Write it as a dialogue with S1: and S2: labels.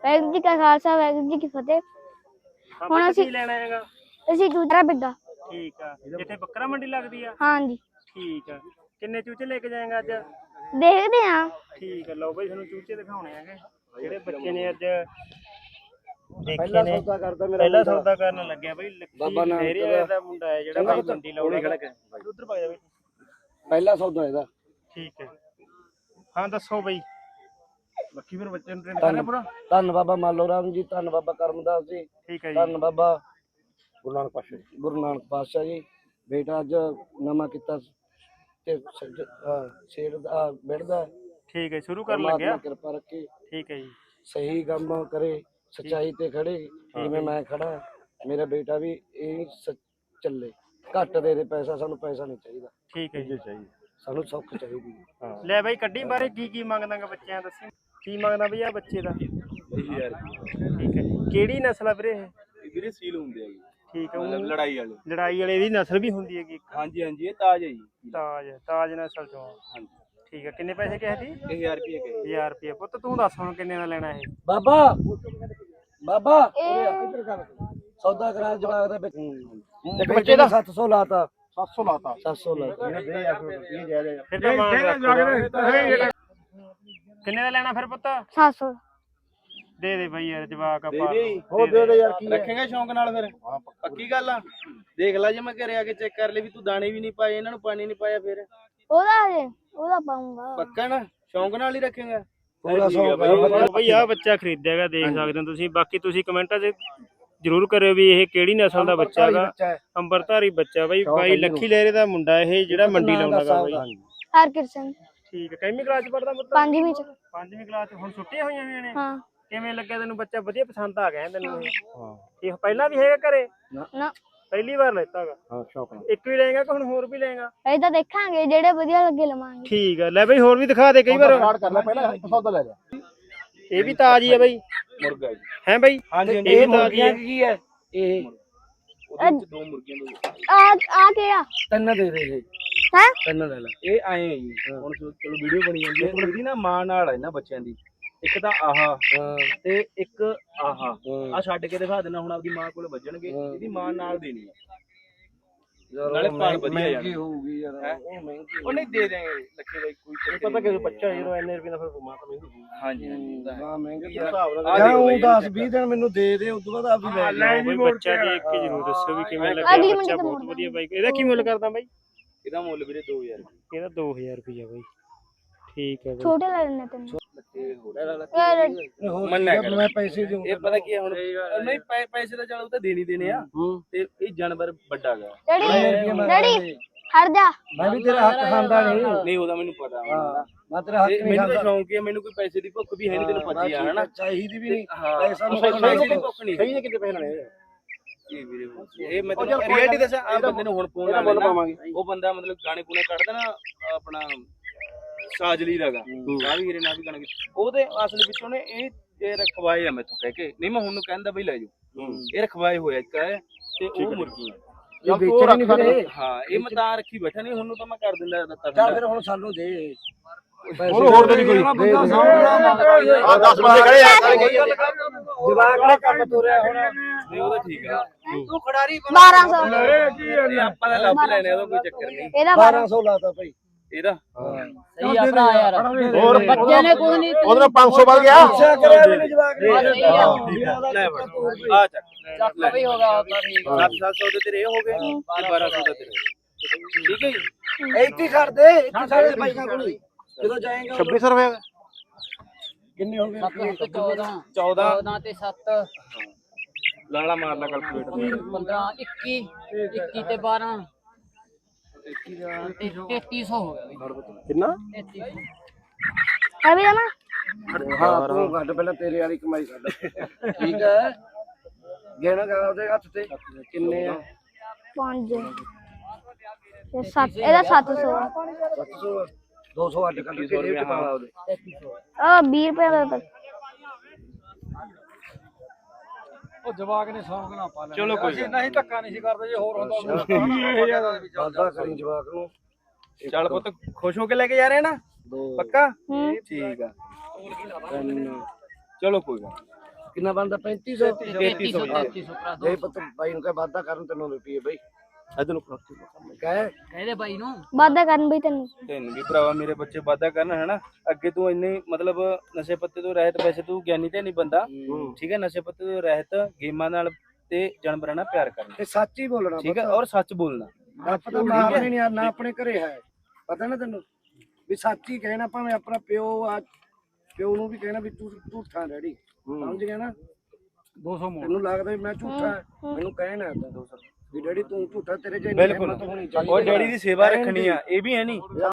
S1: ਵਾਹਿਗੁਰੂ ਜੀ ਕਾ ਖਾਲਸਾ ਵਾਹਿਗੁਰੂ ਜੀ ਕੀ ਫਤਿਹ।
S2: ਹੁਣ ਅਸੀਂ ਲੈਣਾ ਹੈਗਾ,
S1: ਅਸੀਂ ਚੂਚਾ ਬਿੱਗਾ।
S2: ਠੀਕ ਆ। ਜਿੱਥੇ ਬੱਕਰਾ ਮੰਡੀ ਲੱਗਦੀ ਆ?
S1: ਹਾਂਜੀ।
S2: ਠੀਕ ਆ। ਕਿੰਨੇ ਚੂਚੇ ਲੈ ਕੇ ਜਾਏਗਾ ਅੱਜ?
S1: ਦੇਖਦੇ ਆ। ਠੀਕ
S2: ਆ, ਲਓ ਬਈ ਤੁਹਾਨੂੰ ਚੂਚੇ ਦਿਖਾਉਣੇ ਹੈਗੇ ਜਿਹੜੇ ਬੱਚੇ ਨੇ ਅੱਜ
S3: ਪਹਿਲਾ ਸੌਦਾ ਕਰਦਾ ਮੇਰਾ
S2: ਪਹਿਲਾ ਸੌਦਾ ਕਰਨ ਲੱਗਿਆ ਬਈ। ਬਾਬਾ ਨਾਨਕ ਦਾ ਮੁੰਡਾ ਹੈ ਜਿਹੜਾ ਬਈ ਮੰਡੀ ਲਾਉਣਾ। ਉਧਰ ਪਾ ਜਾ ਬਈ।
S3: ਪਹਿਲਾ ਸੌਦਾ ਇਹਦਾ।
S2: ਠੀਕ ਹੈ, ਹਾਂ ਦੱਸੋ ਬਈ। ਬੱਕੀ ਫਿਰ ਬੱਚੇ ਨੂੰ ਟ੍ਰੇਨ ਕਰਨਾ ਪੂਰਾ।
S3: ਧੰਨ ਬਾਬਾ ਮਾਲੋ ਰਾਮ ਜੀ, ਧੰਨ ਬਾਬਾ ਕਰਮਦਾਸ ਜੀ,
S2: ਠੀਕ ਹੈ ਜੀ,
S3: ਧੰਨ ਬਾਬਾ ਗੁਰੂ ਨਾਨਕ ਪਾਤਸ਼ਾਹ ਜੀ। ਬੇਟਾ ਅੱਜ ਨਵਾਂ ਕੀਤਾ ਤੇ ਸ਼ੇਰ ਦਾ ਬਿੜਦਾ।
S2: ਠੀਕ ਹੈ, ਸ਼ੁਰੂ ਕਰਨ ਲੱਗਿਆ।
S3: ਕਿਰਪਾ ਰੱਖੇ।
S2: ਠੀਕ ਹੈ ਜੀ,
S3: ਸਹੀ ਕੰਮ ਕਰੇ, ਸੱਚਾਈ ਤੇ ਖੜੇ ਜਿਵੇਂ ਮੈਂ ਖੜਾ। ਮੇਰਾ ਬੇਟਾ ਵੀ ਇਹ ਚੱਲੇ। ਘੱਟ ਦੇ ਪੈਸਾ, ਸਾਨੂੰ ਪੈਸਾ ਨਹੀਂ ਚਾਹੀਦਾ।
S2: ਠੀਕ ਹੈ ਜੀ,
S3: ਸਾਨੂੰ ਸੁੱਖ ਚਾਹੀਦੀ।
S2: ਲੈ ਬਾਈ ਕੱਢੀ ਬਾਰੇ ਕੀ ਮੰਗਦਾਗਾ ਬੱਚਿਆਂ ਦੱਸੀ। ਕੀ ਮੰਗਦਾ ਬਈ ਆ ਬੱਚੇ ਦਾ?
S4: 20000।
S2: ਠੀਕ ਹੈ, ਕਿਹੜੀ ਨਸਲ ਆ ਵੀਰੇ ਇਹ?
S4: ਵੀਰੇ ਸੀਲ ਹੁੰਦੇ ਆ ਜੀ।
S2: ਠੀਕ ਹੈ,
S4: ਮਤਲਬ ਲੜਾਈ ਵਾਲੇ
S2: ਦੀ ਨਸਲ ਵੀ ਹੁੰਦੀ ਹੈਗੀ?
S4: ਹਾਂਜੀ ਹਾਂਜੀ, ਇਹ ਤਾਜ ਹੈ ਜੀ।
S2: ਤਾਜ ਨਸਲ ਚੋਂ।
S4: ਹਾਂਜੀ
S2: ਠੀਕ ਹੈ, ਕਿੰਨੇ ਪੈਸੇ ਕਹੇ ਸੀ?
S4: 1000 ਰੁਪਏ ਕਹੇ।
S2: 1000 ਰੁਪਏ। ਪੁੱਤ ਤੂੰ ਦੱਸ ਹੁਣ ਕਿੰਨੇ ਦਾ ਲੈਣਾ ਇਹ?
S3: ਬਾਬਾ ਸੌਦਾ ਕਰਾ ਜਵਾਬ ਦਾ ਬੱਚੇ ਦਾ 700 ਲਾਤਾ। 700 ਲਾਤਾ।
S2: ਕਿੰਨੇ ਦਾ ਲੈਣਾ ਫਿਰ ਪੁੱਤ?
S1: 700
S2: ਦੇ ਦੇ ਬਈ ਯਾਰ, ਜਵਾਕ ਆਪਾਂ
S3: ਦੇ ਦੇ ਯਾਰ।
S4: ਰੱਖੇਗਾ ਸ਼ੌਂਕ ਨਾਲ ਫਿਰ? ਪੱਕੀ ਗੱਲ ਆ। ਦੇਖ ਲੈ, ਜੇ ਮੈਂ ਘਰੇ ਆ ਕੇ ਚੈੱਕ ਕਰ ਲਈ ਵੀ ਤੂੰ ਦਾਣੇ ਵੀ ਨਹੀਂ ਪਾਏ, ਇਹਨਾਂ ਨੂੰ ਪਾਣੀ ਨਹੀਂ ਪਾਇਆ, ਫਿਰ
S1: ਉਹਦਾ ਪਾਉਂਗਾ।
S4: ਪੱਕਾ ਨਾ? ਸ਼ੌਂਕ ਨਾਲ ਹੀ ਰੱਖੇਗਾ?
S2: ਬਈ ਆ ਬੱਚਾ ਖਰੀਦਿਆਗਾ, ਦੇਖ ਸਕਦੇ ਹੋ ਤੁਸੀਂ। ਬਾਕੀ ਤੁਸੀਂ ਕਮੈਂਟਾਂ 'ਚ ਜਰੂਰ ਕਰਿਓ ਵੀ ਇਹ ਕਿਹੜੀ ਨਸਲ ਦਾ ਬੱਚਾ ਹੈਗਾ। ਅੰਬਰਧਾਰੀ ਬੱਚਾ ਬਈ। ਬਾਈ ਲੱਖੀ ਲਹਿਰੇ ਦਾ ਮੁੰਡਾ ਇਹ ਜਿਹੜਾ ਮੰਡੀ ਲਾਉਂਦਾਗਾ ਬਈ।
S1: ਹਰਕਿਰਤ ਸਿੰਘ।
S2: ਠੀਕ ਹੈ, ਕਿੰਨੀ ਕਲਾਸ 'ਚ ਪੜਦਾ ਪੁੱਤ?
S1: 5ਵੀਂ 'ਚ।
S2: 5ਵੀਂ ਕਲਾਸ 'ਚ। ਹੁਣ ਛੁੱਟੀਆਂ ਹੋਈਆਂ ਨੇ?
S1: ਹਾਂ।
S2: ਕਿਵੇਂ ਲੱਗਿਆ ਤੈਨੂੰ ਬੱਚਾ? ਵਧੀਆ ਪਸੰਦ ਆ ਗਿਆ ਤੈਨੂੰ? ਇਹ ਪਹਿਲਾਂ ਵੀ ਹੈਗਾ ਘਰੇ?
S1: ਨਾ,
S2: ਪਹਿਲੀ ਵਾਰ ਲੈਤਾਗਾ।
S3: ਹਾਂ, ਸ਼ੌਕ ਨਾਲ।
S2: ਇੱਕ ਵੀ ਲਏਗਾ ਕਿ ਹੁਣ ਹੋਰ ਵੀ ਲਏਗਾ?
S1: ਇਹ ਤਾਂ ਦੇਖਾਂਗੇ, ਜਿਹੜੇ ਵਧੀਆ ਲੱਗੇ ਲਵਾਂਗੇ।
S2: ਠੀਕ ਹੈ, ਲੈ ਬਈ ਹੋਰ ਵੀ ਦਿਖਾ ਦੇ। ਕਈ ਵਾਰ
S3: ਕਰ ਲੈ, ਪਹਿਲਾਂ ਸੌਦਾ ਲੈ ਜਾ।
S2: ਇਹ ਵੀ ਤਾਜ ਹੀ ਹੈ ਬਈ।
S4: ਮੁਰਗਾ ਜੀ।
S2: ਹੈ ਬਈ?
S4: ਹਾਂਜੀ।
S2: ਇਹ ਵੀ ਤਾਜ ਹੀ ਹੈ।
S3: ਕੀ ਹੈ ਇਹ?
S4: ਉਹਦੇ ਵਿੱਚ 2 ਮੁਰਗੀਆਂ ਦੇ।
S1: ਆ ਕਿਹੜਾ?
S3: ਤਿੰਨ ਦੇ ਦੇ।
S1: ਹੈ?
S3: ਤਿੰਨ ਲੈ ਲੈ।
S4: ਇਹ ਆਏ ਆ ਜੀ। ਹੁਣ ਚਲੋ ਵੀਡੀਓ ਬਣੀ ਜਾਂਦੀ ਹੈ। ਇਹਦੀ ਨਾ ਮਾਂ ਨਾਲ ਹੈ ਇਹਨਾਂ ਬੱਚਿਆਂ ਦੀ। ਇੱਕ ਤਾਂ ਆਹ ਤੇ ਇੱਕ ਆਹ ਆ ਛੱਡ ਕੇ ਦਿਖਾ ਦੇਣਾ। ਹੁਣ ਆਪਦੀ ਮਾਂ ਕੋਲ ਵੱਜਣਗੇ। ਇਹਦੀ ਮਾਂ ਨਾਲ ਦੇਣੀ ਹੈ। ਨਾਲੇ ਪਾਲ ਵਧੀਆ
S3: ਮਹਿੰਗੀ ਹੋਊਗੀ ਯਾਰ। ਉਹ ਮਹਿੰਗੀ।
S4: ਉਹ ਨਹੀਂ ਦੇ ਦੇਂਗੇ ਲੱਖੇ ਬਾਈ, ਕੋਈ
S3: ਪਤਾ ਕਿ ਬੱਚਾ ਜਦੋਂ ਇੰਨੇ ਰੁਪਏ ਦਾ ਫਿਰ ਮਾਂ ਤਾਂ ਮਹਿੰਗੀ ਹੋਊਗੀ।
S4: ਹਾਂਜੀ ਹਾਂਜੀ।
S3: ਹਾਂ, ਮਹਿੰਗੀ ਹਿਸਾਬ ਨਾਲ। ਜਾਂ ਉਹ 10-20 ਦਿਨ ਮੈਨੂੰ ਦੇ ਦੇ, ਉਸ ਤੋਂ ਬਾਅਦ ਆਪਦੀ ਲੈ
S2: ਲੈ ਬਈ ਬੱਚਾ ਦੇਖ ਕੇ ਜ਼ਰੂਰ ਦੱਸਿਓ ਵੀ ਕਿਵੇਂ ਲੱਗਿਆ ਬੱਚਾ। ਬਹੁਤ ਵਧੀਆ ਬਾਈ। ਇਹਦਾ ਕੀ ਮੁੱਲ ਕਰਦਾ ਬਾਈ?
S4: ਇਹਦਾ ਮੁੱਲ ਵੀਰੇ 2000।
S2: ਇਹਦਾ 2000 ਰੁਪਇਆ ਬਾਈ। ਠੀਕ ਹੈ ਬਾਈ।
S1: ਛੋਟੇ ਲੈ ਲੈਣੇ ਤੈਨੂੰ।
S3: ਮੈਂ ਪੈਸੇ ਦਿਉਂ।
S4: ਇਹ ਪਤਾ ਕੀ ਹੁਣ ਨਹੀਂ ਪੈਸੇ ਤਾਂ ਚਲ ਉਹ ਤਾਂ ਦੇਣੀ ਦੇਣੇ ਆ। ਤੇ ਇਹ ਜਾਨਵਰ ਵੱਡਾ ਗਾ।
S1: ਡੈਡੀ ਹਟ ਜਾ।
S3: ਮੈਂ ਵੀ ਤੇਰਾ ਹੱਕ ਖਾਂਦਾ
S4: ਨਹੀਂ ਉਹਦਾ ਮੈਨੂੰ ਪਤਾ।
S3: ਮੈਂ ਤੇਰਾ ਹੱਕ ਨਹੀਂ
S4: ਮੈਨੂੰ
S3: ਖਾਂਦਾ।
S4: ਤਾਂ ਸ਼ੌਂਕ ਹੈ, ਮੈਨੂੰ ਕੋਈ ਪੈਸੇ ਦੀ ਭੁੱਖ ਵੀ ਹੈ ਨਹੀਂ, ਤੈਨੂੰ ਪਤਾ ਹੀ ਆ ਹਨਾ।
S3: ਚਾਹੀਦੀ ਵੀ ਨਹੀਂ।
S4: ਪੈਸਾ
S3: ਦੀ
S4: ਭੁੱਖ ਨਹੀਂ।
S3: ਸਹੀ ਨੇ ਕਿਤੇ ਪੈਸੇ ਲੈਣੇ।
S4: ਇਹ ਵੀਰੇ ਇਹ ਮੈਂ ਤੈਨੂੰ ਰਿਐਲਿਟੀ ਦੱਸਾਂ। ਆ ਬੰਦੇ ਨੂੰ ਹੁਣ ਫੋਨ ਲਾ ਲੈਣਾ। ਉਹ ਬੰਦਾ ਮਤਲਬ ਗਾਣੇ ਗੁਣੇ ਕੱਢਦਾ ਨਾ ਆਪਣਾ ਸਾਜਲੀ ਦਾਗਾ। ਆ ਵੀ ਹੀਰੇ ਨਾਲ ਵੀ ਗਾਣੇ। ਉਹਦੇ ਅਸਲ ਵਿੱਚ ਉਹਨੇ ਇਹ ਰਖਵਾਏ ਆ ਮੈਥੋਂ ਕਹਿ ਕੇ। ਨਹੀਂ ਮੈਂ ਹੁਣ ਨੂੰ ਕਹਿੰਦਾ ਬਈ ਲੈ ਜਾਓ। ਇਹ ਰਖਵਾਏ ਹੋਇਆ ਇੱਕ ਹੈ ਤੇ ਉਹ ਮੁਰਗੀਆਂ।
S3: ਇਹ ਵੇਚਣਾ ਨਹੀਂ ਫਿਰ।
S4: ਹਾਂ, ਇਹ ਮੈਂ ਤਾਂ ਰੱਖੀ ਬੈਠਾ। ਨਹੀਂ ਹੁਣ ਨੂੰ ਤਾਂ ਮੈਂ ਕਰ ਦਿੰਦਾ।
S3: ਚੱਲ ਫਿਰ ਹੁਣ ਸਾਨੂੰ ਦੇ।
S4: ਹੋਰ ਤਾਂ ਨਹੀਂ ਕੋਈ।
S3: ਆ 10 ਬੰਦੇ ਖੜੇ ਆ। ਜਵਾਕ ਨੇ ਕੰਮ ਤੋਰਿਆ ਹੁਣ।
S4: ਨਹੀਂ ਉਹਦਾ ਠੀਕ ਆ।
S3: ਤੂੰ ਖਿਡਾਰੀ
S1: 1200।
S4: ਆਪਾਂ ਤਾਂ ਲੱਭ ਲੈਣੇ, ਉਹਦਾ ਕੋਈ ਚੱਕਰ ਨਹੀਂ।
S1: ਇਹਦਾ
S3: 1200 ਲਾਤਾ ਭਾਈ
S4: ਇਹਦਾ।
S3: ਸਹੀ ਆ ਭਰਾ ਯਾਰ।
S5: ਹੋਰ ਬੱਚੇ ਨੇ ਕੁਝ ਨਹੀਂ।
S3: ਉਧਰ 500 ਵੱਧ ਗਿਆ। ਅੱਛਾ ਕਰਿਆ ਮੈਨੂੰ ਜਵਾਕ ਨੇ।
S4: ਲੈ ਆ ਚੱਕ
S5: ਚੱਕ ਵੀ ਹੋ ਗਿਆ ਤਾਂ ਠੀਕ ਆ।
S4: 700 ਦੇ ਤੇਰੇ ਹੋ ਗਏ ਤੇ 1200 ਦਾ ਤੇਰੇ। ਠੀਕ ਹੈ ਜੀ।
S3: ਇੱਥੇ ਛੱਡ ਦੇ। ਇੱਥੇ ਸਾਡੇ ਪੈਸਿਆਂ ਕੋਲ ਜਦੋਂ ਜਾਏਗਾ
S4: 2600 ਰੁਪਏ
S3: ਕਿੰਨੇ ਹੋ ਗਏ?
S5: 14 ਤੇ 7
S4: ਲਾਲਾ ਮਾਰ ਲਾ ਕੈਲਕੂਲੇਟਰ।
S5: 15 21 ਤੇ 12 3300 ਹੋ ਗਿਆ ਬਈ।
S3: ਕਿੰਨਾ?
S5: 3300।
S1: ਹੈ ਵੀ ਜਾਣਾ।
S3: ਹਾਂ, ਤੂੰ ਘੱਟ ਪਹਿਲਾਂ ਤੇਰੇ ਵਾਲੀ ਕਮਾਈ ਕੱਢ। ਠੀਕ ਹੈ। ਗਹਿਣਾ ਕਰ ਉਹਦੇ ਹੱਥ ਤੇ ਕਿੰਨੇ ਆ?
S1: 5 ਤੇ 7। ਇਹਦਾ 700 ਆ।
S3: 700 200 ਅੱਡ ਕੱਢ ਕੇ ਰੇਟ ਪਾ ਲਾ ਉਹਦੇ।
S1: 20 ਰੁਪਏ ਦਾ।
S3: ਉਹ ਜਵਾਕ ਨੇ ਸ਼ੌਂਕ ਨਾ ਪਾ ਲੈ।
S4: ਚਲੋ ਕੋਈ
S3: ਨਹੀਂ ਧੱਕਾ ਨਹੀਂ ਸੀ ਕਰਦੇ। ਜੇ ਹੋਰ ਹੁੰਦਾ ਵਾਦਾ ਕਰੀ ਜਵਾਕ ਨੂੰ।
S4: ਚੱਲ ਪੁੱਤ ਖੁਸ਼ ਹੋ ਕੇ ਲੈ ਕੇ ਜਾ ਰਹੇ ਨਾ? ਪੱਕਾ? ਠੀਕ ਆ। ਚਲੋ ਕੋਈ ਗੱਲ।
S3: ਕਿੰਨਾ ਬਣਦਾ 3500
S5: 3300 ਭਰਾ
S3: ਦੇ ਪੁੱਤ ਬਾਈ ਨੂੰ ਕਹੇ ਵਾਧਾ ਕਰਨ ਤੈਨੂੰ ਰੁਪਏ ਬਈ ਇਧਰ ਨੂੰ ਕਹੇ
S5: ਕਹਿੰਦੇ ਬਾਈ ਨੂੰ
S1: ਵਾਦਾ ਕਰਨ ਬਈ ਤੈਨੂੰ
S4: ਤੈਨੂੰ ਵੀ ਭਰਾਵਾ ਮੇਰੇ ਬੱਚੇ ਵਾਧਾ ਕਰਨ ਹਨਾ ਅੱਗੇ ਤੂੰ ਇੰਨੇ ਮਤਲਬ ਨਸ਼ੇ ਪੱਤੇ ਤੋਂ ਰਹਿਤ ਵੈਸੇ ਤੂੰ ਗਿਆਨੀ ਤੇ ਨਹੀਂ ਬੰਦਾ ਠੀਕ ਹੈ ਨਸ਼ੇ ਪੱਤੇ ਤੋਂ ਰਹਿਤ ਗੇਮਾਂ ਨਾਲ ਤੇ ਜਾਨਵਰਾਂ ਨਾਲ ਪਿਆਰ ਕਰਨਾ
S3: ਤੇ ਸੱਚ ਹੀ ਬੋਲਣਾ
S4: ਠੀਕ ਹੈ ਔਰ ਸੱਚ ਬੋਲਣਾ
S3: ਪਤਾ ਮਾਂ ਆਪਣੇ ਨਹੀਂ ਨਾ ਆਪਣੇ ਘਰੇ ਹੈ ਪਤਾ ਨਾ ਤੈਨੂੰ ਵੀ ਸੱਚ ਹੀ ਕਹਿਣਾ ਭਾਵੇਂ ਆਪਣਾ ਪਿਓ ਨੂੰ ਵੀ ਕਹਿਣਾ ਵੀ ਤੂੰ ਝੂਠਾ ਡੈਡੀ ਸਮਝ ਗਿਆ ਨਾ 200 ਮੋੜ ਤੈਨੂੰ ਲੱਗਦਾ ਵੀ ਮੈਂ ਝੂਠਾ ਮੈਨੂੰ ਕਹਿਣਾ ਵੀ ਡੈਡੀ ਤੂੰ ਝੂਠਾ ਤੇਰੇ ਚ
S4: ਬਿਲਕੁਲ ਉਹ ਡੈਡੀ ਦੀ ਸੇਵਾ ਰੱਖਣੀ ਆ ਇਹ ਵੀ ਹੈ ਨਹੀਂ